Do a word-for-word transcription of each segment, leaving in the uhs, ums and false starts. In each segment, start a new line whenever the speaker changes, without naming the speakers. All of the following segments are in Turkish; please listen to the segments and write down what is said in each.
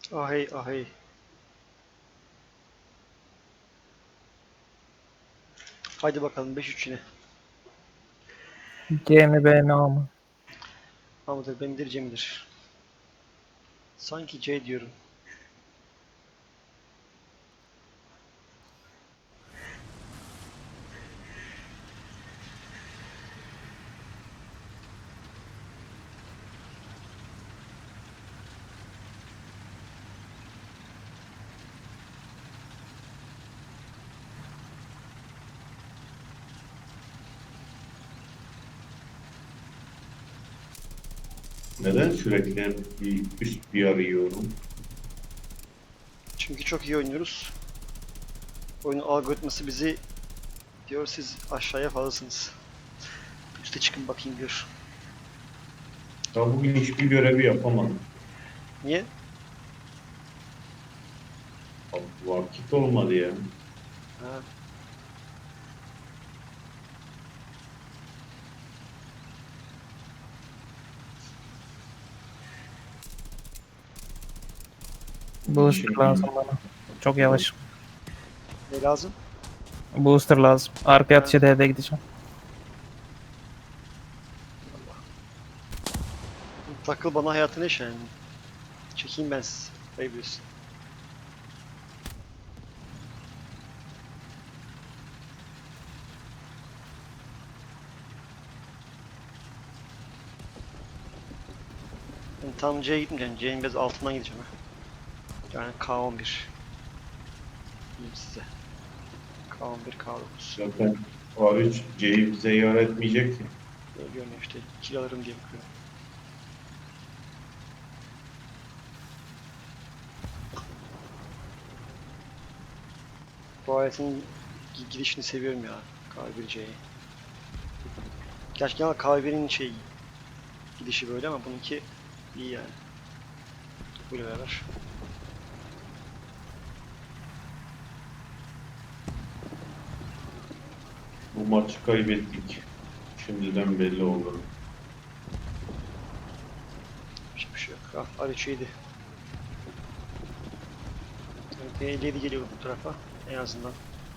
Ahey ahey. Haydi bakalım beş üç yine.
C mi B mi A mı?
A mıdır B midir C midir? Sanki C diyorum.
Neden sürekli bir üst bir arıyorum?
Çünkü çok iyi oynuyoruz. Oyunun algoritması bizi diyor siz aşağıya fazlasınız. Üste çıkın bakayım diyor.
Ya bugün hiçbir görevi yapamadım.
Niye?
Abi, vakit olmadı ya.
Ha,
Booster
Şimdi
lazım bana. Çok yavaş.
ne lazım?
Booster lazım. Arkaya
Ha,
atış edeye gideceğim.
takıl bana hayatını yaşa yani. Çekeyim ben sizi. Bayılıyorsun. Ben tam C'ye gitmeyeceğim. C'nin biraz altından gideceğim ha. Yani K on bir. Diyeyim size. K on bir, K dokuz.
zaten A üç C'yi bize yar etmeyecek ki.
Böyle görünüyor işte. Kill alırım diye bakıyorum. Bu aletin gidişini seviyorum ya. K bir C'yi. Gerçi ama K bir'in şey gidişi böyle ama bununki iyi yani. Böyle beraber.
Bu maçı kaybettik. Şimdiden belli oldu.
Hiçbir şey yok. Ah, Ali şeydi. Yani elli yedi geliyor bu tarafa en azından.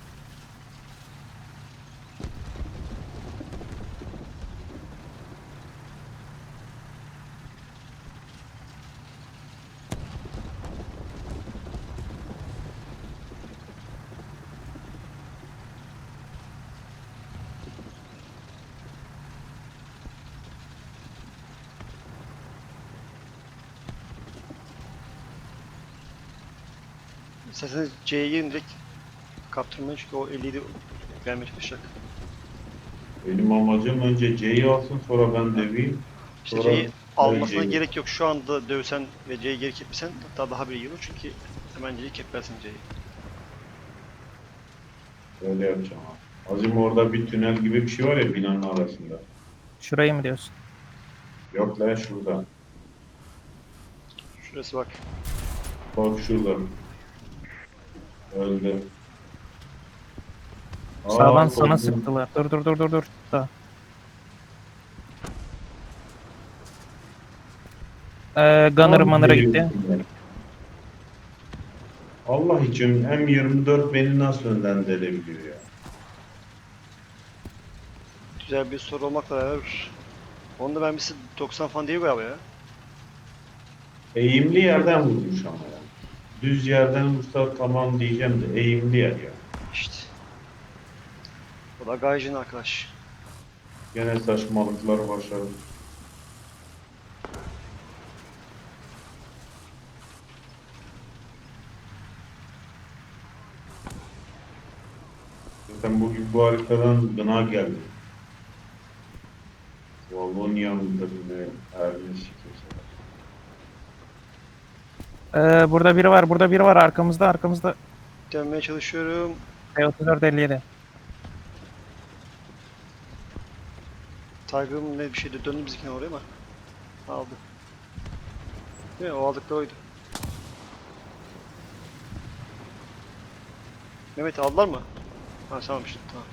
İsterseniz C'ye girin direkt kaptırmayın çünkü o elli yedi gelmeye çalışacak.
Benim amacım önce C'yi alsın, sonra ben döveyim.
İşte
Sonra
C'yi almasına
C'yi.
gerek yok. Şu anda dövsen ve C'yi geri kepsen hatta daha bir iyi olur çünkü hemen C'yi keplersin C'yi.
Öyle yapacağım abi. Azim orada bir tünel gibi bir şey var ya binanın arasında.
Şurayı mı diyorsun?
Yok lan şurada.
Şurası bak.
Bak şurada. Öldü.
Sağdan
Aa,
sana
korktum.
sıktılar. Dur dur dur dur dur. Da. Ee, Gunner
Abi
Manner'a gitti.
geliyorsun ya. Allah için M yirmi dört beni nasıl önden delebiliyor ya?
Güzel bir soru olmakla beraber. Onu da ben bir doksan falan değil galiba ya.
Eğimli yerden vurmuş ama ya. Düz yerden vursa tamam diyeceğim de eğimli yer ya.
İşte. O da Gaijin arkadaş.
Gene saçmalıklar başladı. Zaten bugün bu haritadan gına geldi. Valonya'mıdır ne? Ermiş kimse.
Ee, burada biri var. Burada biri var. Arkamızda arkamızda.
Dönmeye çalışıyorum.
T otuz dört elli yedi.
Tiger'ım ne bir şeydi döndü bizimkine oraya ama aldı. Değil mi? O aldıkları oydu. Mehmet aldılar mı? Ha tamam işte tamam.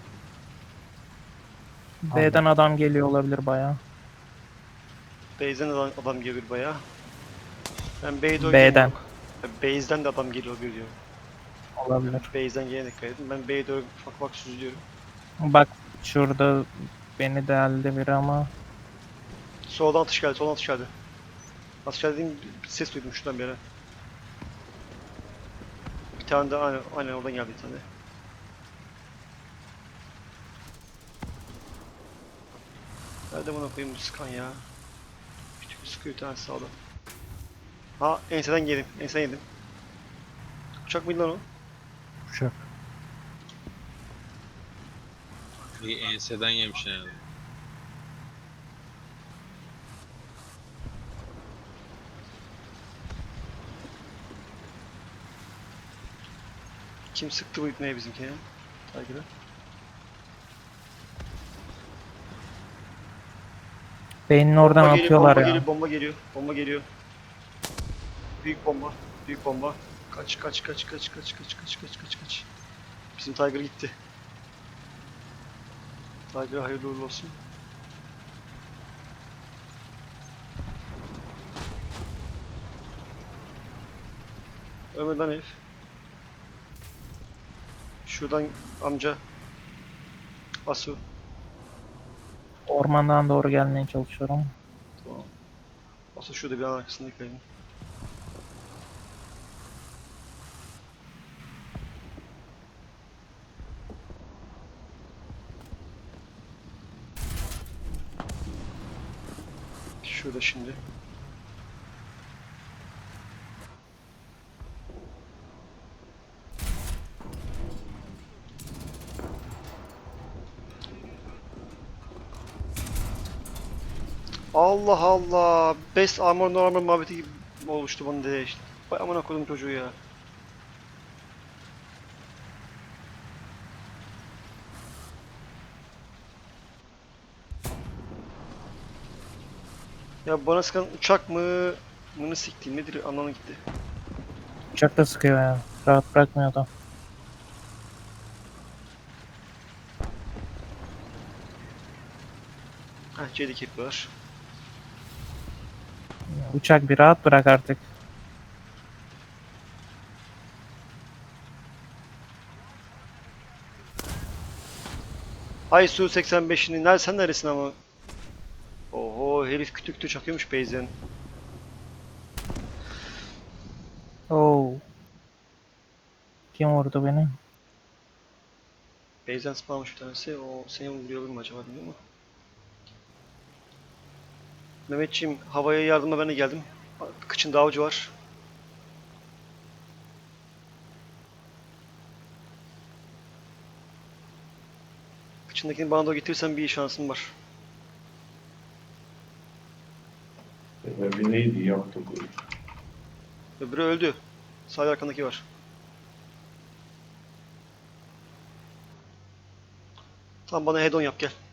B'den adam geliyor olabilir bayağı.
Base'den adam, adam geliyor bayağı. Ben B'de oynayayım
B'den.
yok. Ya base'den de adam geliyor bir diyor.
Olabilir.
Base'den gelene dikkat edin. Ben B'ye doğru ufak ufak süzülüyorum.
Bak şurada beni deldi biri ama
Soldan atış geldi, soldan atış geldi. Atış geldiğim bir ses duydum şuradan bir yere. Bir tane de aynen, aynen oradan geldi bir tane. Nerede buna koyayım bu sıkan ya? Küçük bir sıkıyor bir tanesi sağda. Ha enseden yedim, enseden yedim. Uçak mıydı lan o?
uçak.
Bir enseden yemiş yani.
Kim sıktı bu ipneye bizimkine? Takip'e.
Beynin oradan
Bomba geliyor,
atıyorlar
bomba
ya.
geliyor, bomba geliyor, bomba geliyor. Büyük bomba, büyük bomba. Kaç, kaç, kaç, kaç, kaç, kaç, kaç, kaç, kaç, kaç. Bizim Tiger gitti. Tiger hayırlı uğurlu olsun. Ölmedi lan herif. Şuradan amca. Asu.
Ormandan doğru gelmeye çalışıyorum.
Tamam. Asu şurada bir an arkasında yıkayın. Şurada şimdi. Allah Allah. Best armor no armor muhabbeti gibi olmuştu bana de işte. Vay amına koydum çocuğu ya. Ya bana sıkan uçak mı? Mını siktiğim nedir anlamına gitti.
Uçak da sıkıyor ya. Rahat bırakmıyor da.
Heh C'deki yapıyorlar.
Uçak bir rahat bırak artık.
Ay Su seksen beşini nerede sen neresin ama? Oho herif kütü kütü çakıyormuş base'den.
Oo. Kim vurdu beni?
Base'den spamlamış bir tanesi. O seni vuruyor mu acaba bilmiyorum ama. Mehmetçiğim havaya yardıma ben de geldim. Kıçın davcı var. Kıçındakini bana doğru getirirsen bir şansım var.
Sebebi neydi yaptı bu?
Öbürü öldü. Sağ arkandaki var. Tamam bana head on yap gel.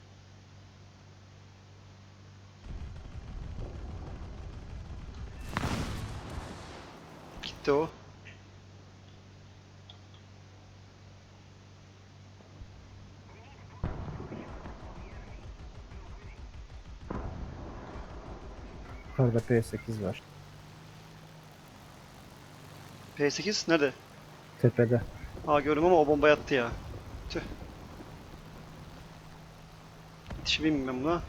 Gitti o.
Yukarıda P sekiz var.
P sekiz nerede?
Tepede.
Aa gördüm ama o bomba yattı ya. Tüh. Yetişebileyim ben buna.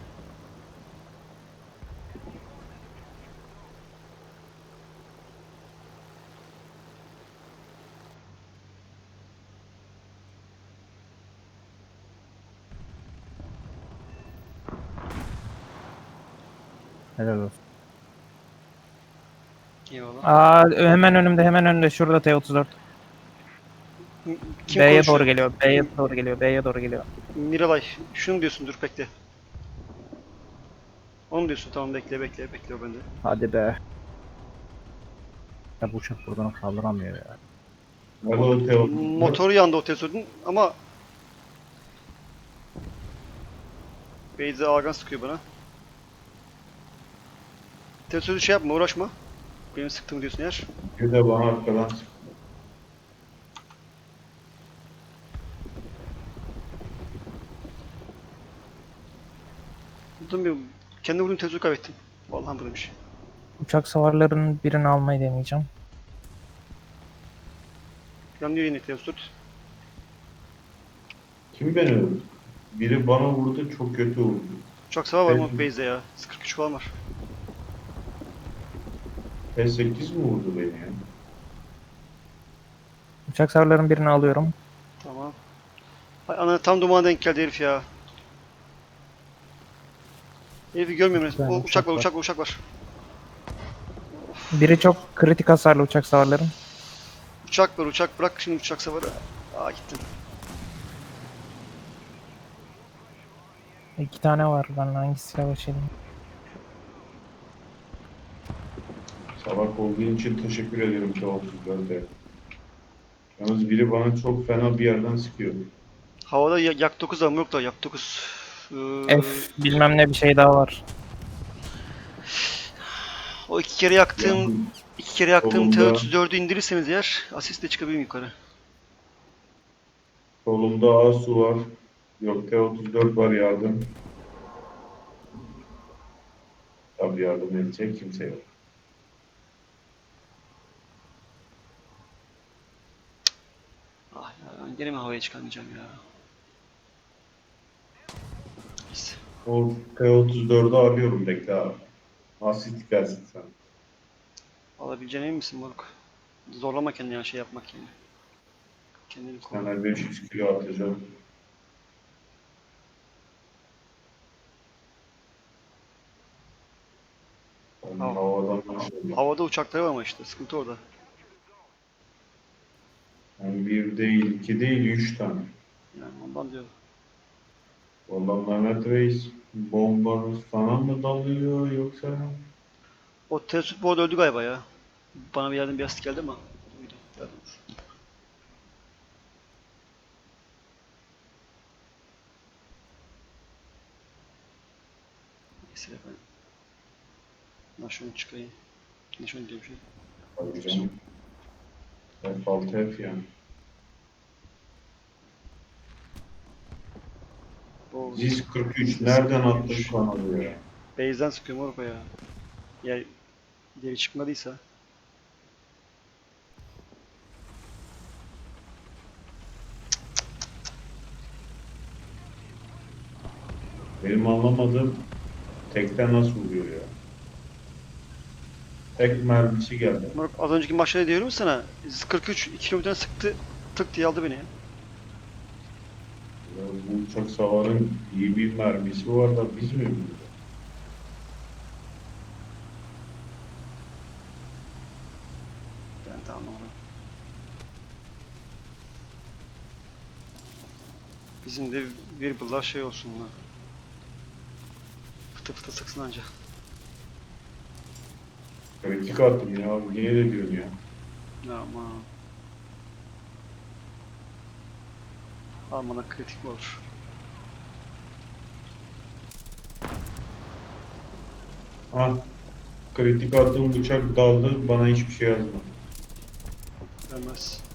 Helal olsun.
Eyvallah.
Aa hemen önümde hemen önümde şurada T otuz dört.
M- Kim
B'ye
konuşuyor?
doğru geliyor. B'ye doğru geliyor. B'ye doğru geliyor.
Miralay. Şunu mu diyorsun dur bekle. Onu mu diyorsun? Tamam bekle bekle bekle o bende.
Hadi be. Ya bu uçak buradan kaldıramıyor ya.
Alo Teo.
Motoru yandı o Tesla'nın ama Beyza Agan sıkıyor bana. Tesla'yı şey yapma uğraşma. Benim sıktığımı diyorsun eğer.
Bir de bana arkadan sıktı.
Vurdum bir kendi vurduğum Tesla'yı kaybettim. Vallahi buradaymış.
Uçak savarlarının birini almayı deneyeceğim.
Yanıyor yine Teosut.
Kim beni öldü? Biri bana vurdu, çok kötü vurdu.
Uçak savar var
Ben-
mı base'de ya? kırk üç falan var.
P sekiz mi vurdu beni ya?
Uçak savarların birini alıyorum.
Tamam. Ay ana tam dumana denk geldi herif ya. Herifi görmüyorum.
Bir tane
O uçak var,
uçak
uçak var, uçak var.
Biri çok kritik hasarlı uçak savarların.
Uçak var, uçak bırak şimdi uçak savarı. Aa gittim.
İki tane var. Ben hangisiyle başlayayım?
Salak olduğun için teşekkür ederim T otuz dörde. Yalnız biri bana çok fena bir yerden sıkıyor.
Havada ya- yak dokuz var, yok da yak dokuz. Ee,
F bilmem ne bir şey daha var.
o iki kere yaktığım,
Yani
iki kere yaktığım T
solumda,
otuz dördü indirirseniz eğer asistle çıkabilirim yukarı.
solumda Asu var. Yok T otuz dört var yardım. Tabii yardım edecek kimse yok.
Ah ya ben gene mi havaya çıkamayacağım ya? Neyse.
O T otuz dördü arıyorum bekle abi. Asist gelsin sen.
Alabileceğine emin misin moruk? Zorlama kendini yani şey yapmak yani. Kendini koru.
Sana beş yüz kilo atacağım. Onun
Hav-
havadan başladı.
Havada uçakları var ama işte sıkıntı orada.
Yani bir değil, iki değil, üç tane.
Yani ondan diyorum.
Vallahi Mehmet Reis bomba sana mı dalıyor yoksa?
O Teosut bu arada öldü galiba ya. Bana bir yerden bir asist geldi ama. Buydu. Yardım. Neyse ben. Ben şunu çıkayım. Ne şunu diyeyim şey.
Tabii canım. F altı F yani.
O
Ziz kırk üç nereden attın kanalı ya?
base'den sıkıyorum moruk o ya. Ya geri çıkmadıysa.
Benim anlamadığım tekten nasıl vuruyor ya? Tek mermisi geldi.
Moruk az önceki maçta ne diyorum sana? kırk üç iki kilometreden sıktı. Tık diye aldı beni ya.
Ya bu uçak savarın iyi bir mermisi var da biz mi biliyoruz?
Ben de anlamadım. Bizim de bir bılar şey olsun lan. Fıtı fıtı sıksın anca.
Kritik attım ya. Niye de diyorsun ya?
Aman. Almana kritik mi olur?
Ha, kritik attığım bıçak daldı. Bana hiçbir şey yazmadı.
Vermez.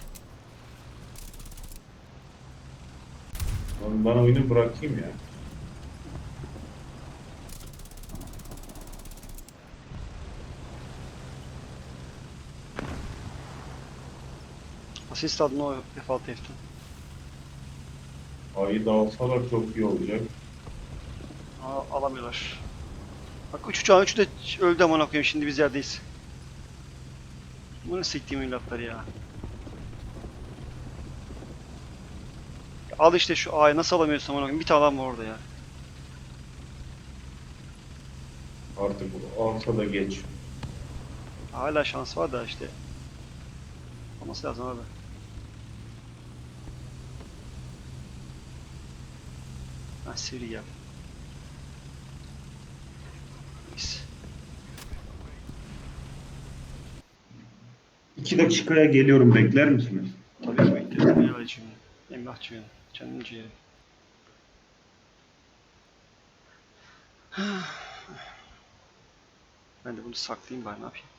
Oğlum bana oyunu bırakayım ya.
Asist aldın o F altı F'ten.
Ayı da alsalar çok iyi olacak.
Aa, alamıyorlar. Bak üç uçağın üçü de öldü aman koyayım şimdi biz yerdeyiz. Bunu siktiğim evlatlar ya. Al işte şu A'yı nasıl alamıyorsun aman koyayım bir tane adam var orada ya.
Artık alsa da geç.
Hala şans var da işte. Olması lazım abi. Ha seri gel. Neyse.
İki dakikaya geliyorum. Bekler misiniz?
Tabii ki bekleriz. Ne alıcım ya. Emlakçı ya. Canım ciğerim. Ben de bunu saklayayım bari ne yapayım.